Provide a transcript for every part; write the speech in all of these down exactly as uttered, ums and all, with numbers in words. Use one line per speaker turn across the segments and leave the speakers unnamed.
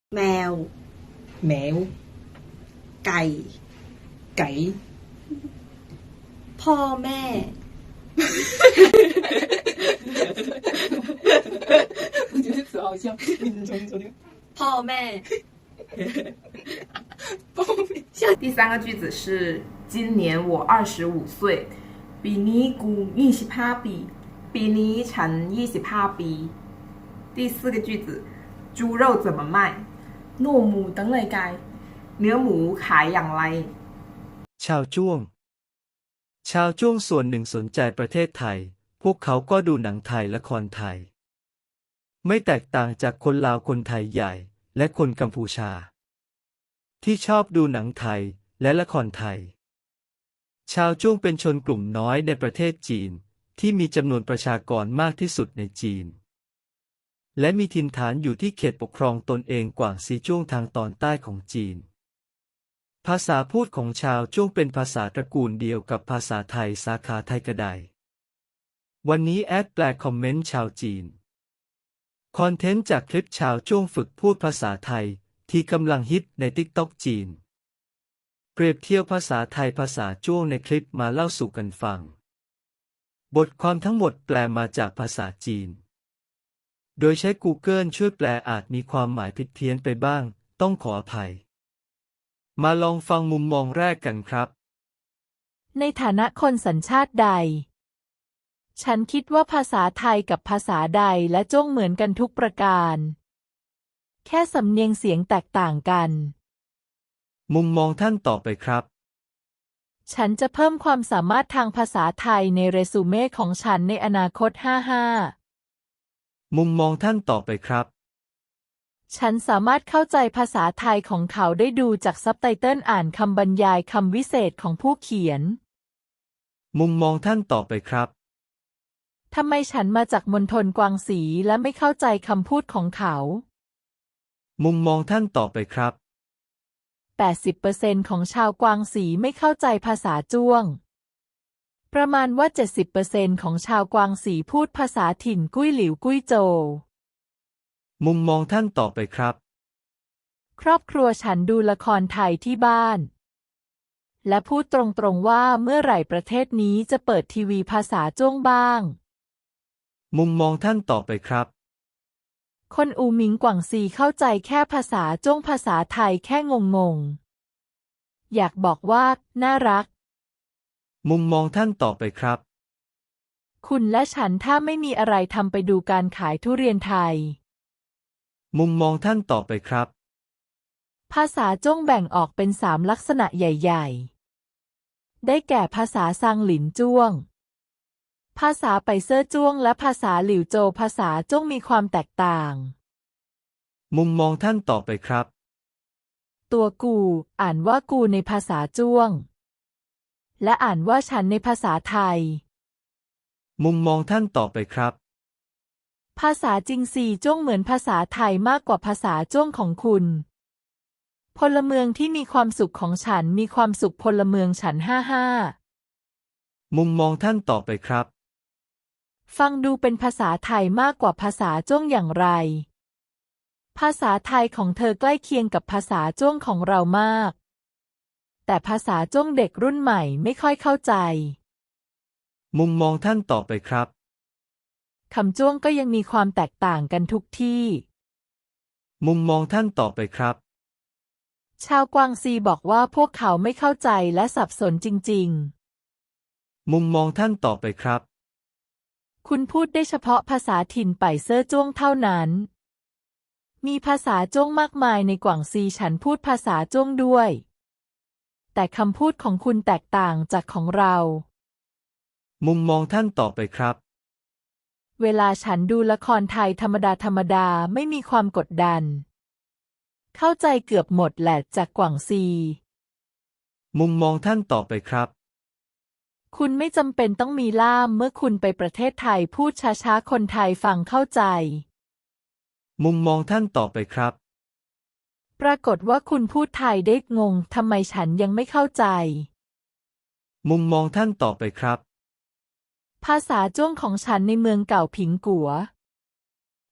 แมว
แมว
ไก่
ไก่
พ่อแม่
我觉得词好像你重新说那个
พ่อแม่
包面
第三个句子是今年我二十五岁ปีนี้กูยี่สิบห้าปีปีนี้ฉันยี่สิบห้าปี第四个句子猪肉怎么卖
糯母等嚟界
เนื้อหมูขายอย่างไร
ชาวจ้วง ชาวจ้วงส่วนหนึ่งสนใจประเทศไทย พวกเขาก็ดูหนังไทยละครไทย ไม่แตกต่างจากคนลาวคนไทยใหญ่ และคนกัมพูชา ที่ชอบดูหนังไทยและละครไทย ชาวจ้วงเป็นชนกลุ่มน้อยในประเทศจีนที่มีจำนวนประชากรมากที่สุดในจีน และมีถิ่นฐานอยู่ที่เขตปกครองตนเองกวางซีจ้วงทางตอนใต้ของจีน ภาษาพูดของชาวจ้วงเป็นภาษาตระกูลเดียวกับภาษาไทยสาขาไทยกระไดวันนี้แอดแปลคอมเมนต์ชาวจีนคอนเทนต์จากคลิปชาวจ้วงฝึกพูดภาษาไทยที่กำลังฮิตในติ๊กต็อกจีนเปรียบเทียบภาษาไทยภาษาจ้วงในคลิปมาเล่าสู่กันฟังบทความทั้งหมดแปลมาจากภาษาจีนโดยใช้ Google ช่วยแปลอาจมีความหมายผิดเพี้ยนไปบ้างต้องขออภัยมาลองฟังมุมมองแรกกันครับ
ในฐานะคนสัญชาติใดฉันคิดว่าภาษาไทยกับภาษาใดและจ้วงเหมือนกันทุกประการแค่สำเนียงเสียงแตกต่างกัน
มุมมองท่านต่อไปครับ
ฉันจะเพิ่มความสามารถทางภาษาไทยในเรซูเม่ของฉันในอนาคตห้าห้า
มุมมองท่านต่อไปครับ
ฉันสามารถเข้าใจภาษาไทยของเขาได้ดูจากซับไตเติลอ่านคำบรรยายคำวิเศษของผู้เขียน
มุมมองท่านต่อไปครับ
ทำไมฉันมาจากมณฑลกวางสีและไม่เข้าใจคำพูดของเขา
มุมมองท่านต่อไปครับ
แปดสิบเปอร์เซ็นต์ ของชาวกวางสีไม่เข้าใจภาษาจ้วงประมาณว่า เจ็ดสิบเปอร์เซ็นต์ ของชาวกวางสีพูดภาษาถิ่นกุ้ยหลิวกุ้ยโจว
มุมมองท่านต่อไปครับ
ครอบครัวฉันดูละครไทยที่บ้านและพูดตรงๆว่าเมื่อไหร่ประเทศนี้จะเปิดทีวีภาษาจ้วงบ้าง
มุมมองท่านต่อไปครับ
คนอูหมิงกวางซีเข้าใจแค่ภาษาจ้วงภาษาไทยแค่งงๆอยากบอกว่าน่ารัก
มุมมองท่านต่อไปครับ
คุณและฉันถ้าไม่มีอะไรทำไปดูการขายทุเรียนไทย
มุมมองท่านต่อไปครับ
ภาษาจ้วงแบ่งออกเป็นสามลักษณะใหญ่ๆได้แก่ภาษาซางหลินจ้วงภาษาไปเซอร์จ้วงและภาษาหลิวโจวภาษาจ้วงมีความแตกต่าง
มุมมองท่านต่อไปครับ
ตัวกูอ่านว่ากูในภาษาจ้วงและอ่านว่าฉันในภาษาไทย
มุมมองท่านต่อไปครับ
ภาษาจิงซีจ้วงเหมือนภาษาไทยมากกว่าภาษาจ้วงของคุณพลเมืองที่มีความสุขของฉันมีความสุขพลเมืองฉันห้าห้า
มุมมองท่านต่อไปครับ
ฟังดูเป็นภาษาไทยมากกว่าภาษาจ้วงอย่างไรภาษาไทยของเธอใกล้เคียงกับภาษาจ้วงของเรามากแต่ภาษาจ้วงเด็กรุ่นใหม่ไม่ค่อยเข้าใจ
มุมมองท่านต่อไปครับ
คำจ้วงก็ยังมีความแตกต่างกันทุกที่
มุมมองท่านต่อไปครับ
ชาวกวางซีบอกว่าพวกเขาไม่เข้าใจและสับสนจริง
ๆมุมมองท่านต่อไปครับ
คุณพูดได้เฉพาะภาษาถิ่นไปเซอร์จ้วงเท่านั้นมีภาษาจ้วงมากมายในกวางซีฉันพูดภาษาจ้วงด้วยแต่คำพูดของคุณแตกต่างจากของเรา
มุมมองท่านต่อไปครับ
เวลาฉันดูละครไทยธรรมดาธรรมดาไม่มีความกดดันเข้าใจเกือบหมดแหละจากกวางซี
มุมมองท่านต่อไปครับ
คุณไม่จำเป็นต้องมีล่ามเมื่อคุณไปประเทศไทยพูดช้าๆคนไทยฟังเข้าใจ
มุมมองท่านต่อไปครับ
ปรากฏว่าคุณพูดไทยได้งงทำไมฉันยังไม่เข้าใจ
มุมมองท่านต่อไปครับ
ภาษาจ้วงของฉันในเมืองเก่าผิงกัว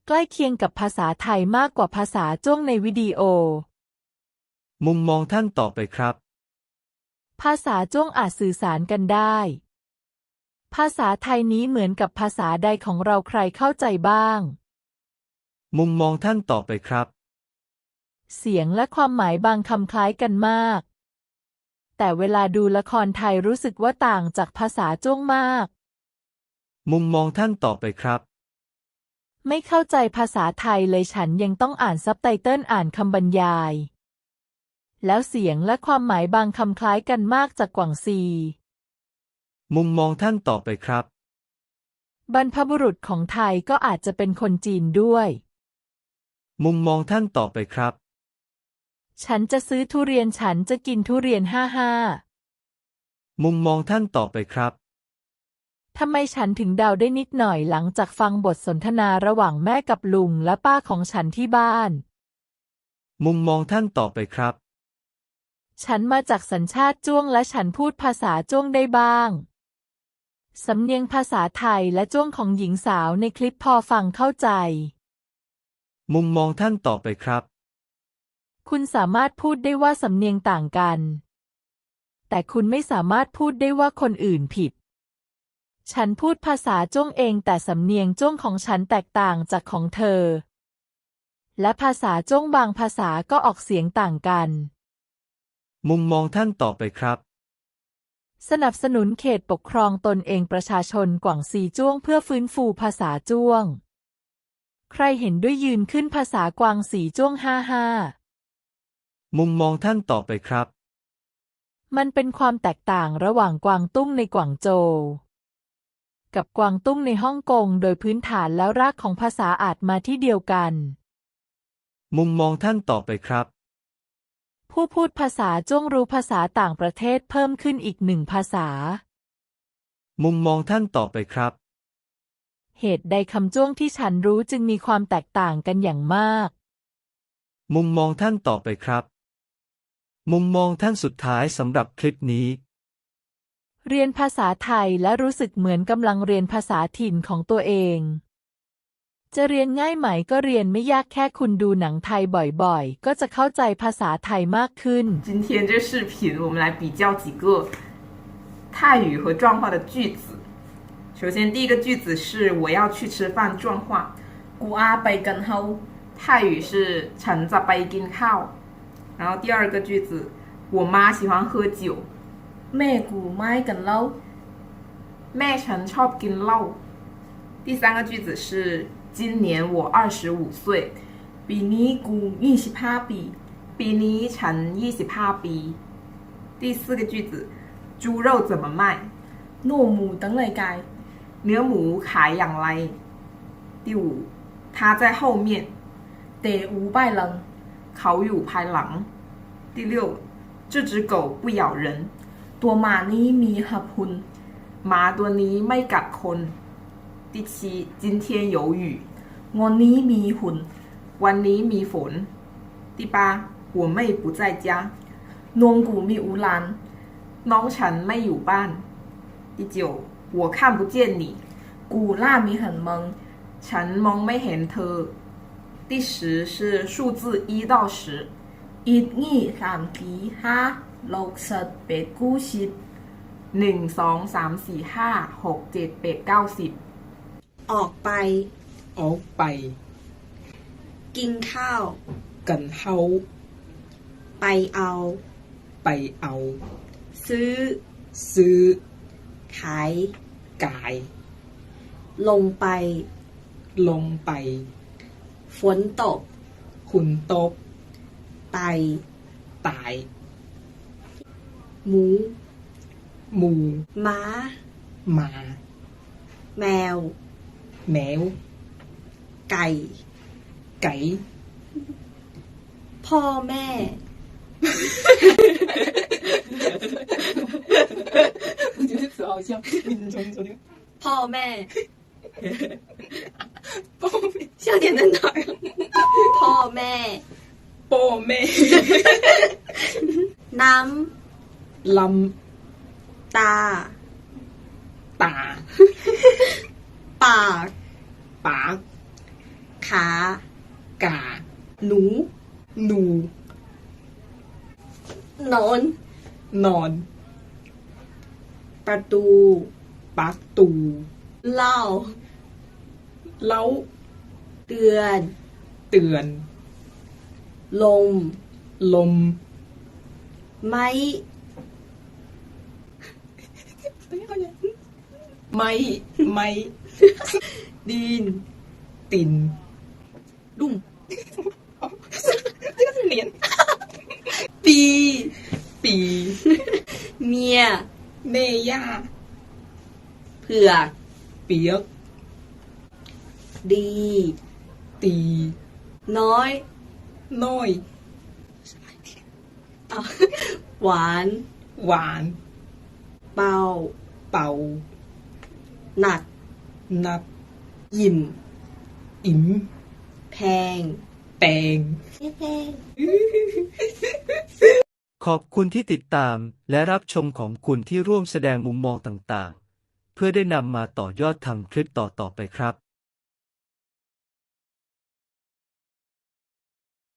ใกล้เคียงกับภาษาไทยมากกว่าภาษาจ้วงในวิดีโอ
มุมมองท่านต่อไปครับ
ภาษาจ้วงอาจสื่อสารกันได้ ภาษาไทยนี้เหมือนกับภาษาใดของเราใครเข้าใจบ้าง
มุมมองท่านต่อไปครับ
เสียงและความหมายบางคำคล้ายกันมาก แต่เวลาดูละครไทยรู้สึกว่าต่างจากภาษาจ้วงมาก
มุมมองท่านต่อไปครับ
ไม่เข้าใจภาษาไทยเลยฉันยังต้องอ่านซับไตเติลอ่านคำบรรยาย แล้วเสียงและความหมายบางคำคล้ายกันมากจากกวางซี
มุมมองท่านต่อไปครับ
บรรพบุรุษของไทยก็อาจจะเป็นคนจีนด้วย
มุมมองท่านต่อไปครับ
ฉันจะซื้อทุเรียนฉันจะกินทุเรียนห้าห้า
มุมมองท่านต่อไปครับ
ทำไมฉันถึงเดาได้นิดหน่อยหลังจากฟังบทสนทนาระหว่างแม่กับลุงและป้าของฉันที่บ้าน
มุมมองท่านต่อไปครับ
ฉันมาจากสัญชาติจ้วงและฉันพูดภาษาจ้วงได้บ้าง สำเนียงภาษาไทยและจ้วงของหญิงสาวในคลิปพอฟังเข้าใจ
มุมมองท่านต่อไปครับ
คุณสามารถพูดได้ว่าสำเนียงต่างกัน แต่คุณไม่สามารถพูดได้ว่าคนอื่นผิด ฉันพูดภาษาจ้วงเองแต่สำเนียงจ้วงของฉันแตกต่างจากของเธอ และภาษาจ้วงบางภาษาก็ออกเสียงต่างกัน
มุมมองท่านต่อไปครับ
สนับสนุนเขตปกครองตนเองประชาชนกวางซีจ้วงเพื่อฟื้นฟูภาษาจ้วง ใครเห็นด้วยยืนขึ้นภาษากวางซีจ้วงห้าห้า
มุมมองท่านต่อไปครับ
มันเป็นความแตกต่างระหว่างกวางตุ้งในกวางโจวกับกวางตุ้งในฮ่องกงโดยพื้นฐานแล้วรากของภาษาอาจมาที่เดียวกัน
มุมมองท่านต่อไปครับ
ผู้พูดภาษาจ้วงรู้ภาษาต่างประเทศเพิ่มขึ้นอีกหนึ่งภาษา
มุมมองท่านต่อไปครับ
เหตุใดคำจ้วงที่ฉันรู้จึงมีความแตกต่างกันอย่างมาก
มุมมองท่านต่อไปครับ มุมมองท่านสุดท้ายสำหรับคลิปนี้
เรียนภาษาไทยและรู้สึกเหมือนกำลังเรียนภาษาถิ่นของตัวเอง จะเรียนง่ายไหมก็เรียนไม่ยากแค่คุณดูหนังไทยบ่อยๆก็จะเข้าใจภาษาไทยมากขึ้น
今天这视频我们来比较几个泰语和壮话的句子。首先第一个句子是我要去吃饭，壮话
กูอาไปกันเฮา
泰语是ฉันจะไปกินข้าว然后第二个句子我妈喜欢喝酒
แม่กูไม่กันเหล้า
แม่ฉันชอบกินเหล้า第三个句子是今年我二十五岁ปีนี้กูยี่สิบห้าปีปีนี้ฉันยี่สิบห้าปี第四个句子猪肉怎么卖
หนูหมูตั้งไรกาย
เนื้อหมูขายอย่างไร第五他在后面
เตอูป้ายหลัง
เขาอยู่ภายหลัง第六这只狗不咬人
ตัวหมานี้มีหับหุน
หมาตัวนี้ไม่กัดคน第七今天有雨
วันนี้มีหุ่น
วันนี้มีฝน第八我妹不在家
นวงกูมีอูหลาน
น้องฉันไม่อยู่บ้าน第九我看不见你
กูล่ามีหันมัง
ฉันมองไม่เห็นเธอ第十是数字一到十
อีกงี้สามสี่ห้าหกสิบแปดกูสิบ
หนึ่งสองสามสี่ห้าหกเจ็ดแปดเก้าสิบ
ออกไป
ออกไป
กินข้าว
กันเฮา
ไปเอา
ไปเอา
ซื้อ
ซื้อ
ขาย
กาย
ลงไป
ลงไป
ฝนตก
คุณตก
ตาย
ตาย
หมู
หมู
ม้า
หมา
แมว
แมว
ไก่
ไก่
พ่อแม่
我觉得词好像你重重听
พ่อแม่
พ่อแม่
笑点在哪儿พ่อแม่
พ่อแม่
น้
ำล
ำตา
ตา
ปาก
ปาก
ขขา
กา
หนู
หนู
นอน
นอน
ประตู
ประตู
เล่า
เล้า
เตือน
เตือน
ลม
ลม
ไม้
ไม้ ไม้
ดิน
ติน
ลุ่ม
这个是脸
ปี
ปี
เมีย
เมย่า
เผือก
เปียก
ดี
ตี
น้อย
น้อย
อ่ะหวาน
หวาน
เบา
เป่า
หนัก
นับ
ยิ่ม
อิ๋ม
แพง
แปง
แพง
ขอบคุณที่ติดตามและรับชมของคุณที่ร่วมแสดงมุมมองต่างๆ เพื่อได้นำมาต่อยอดทำคลิปต่อๆไปครับ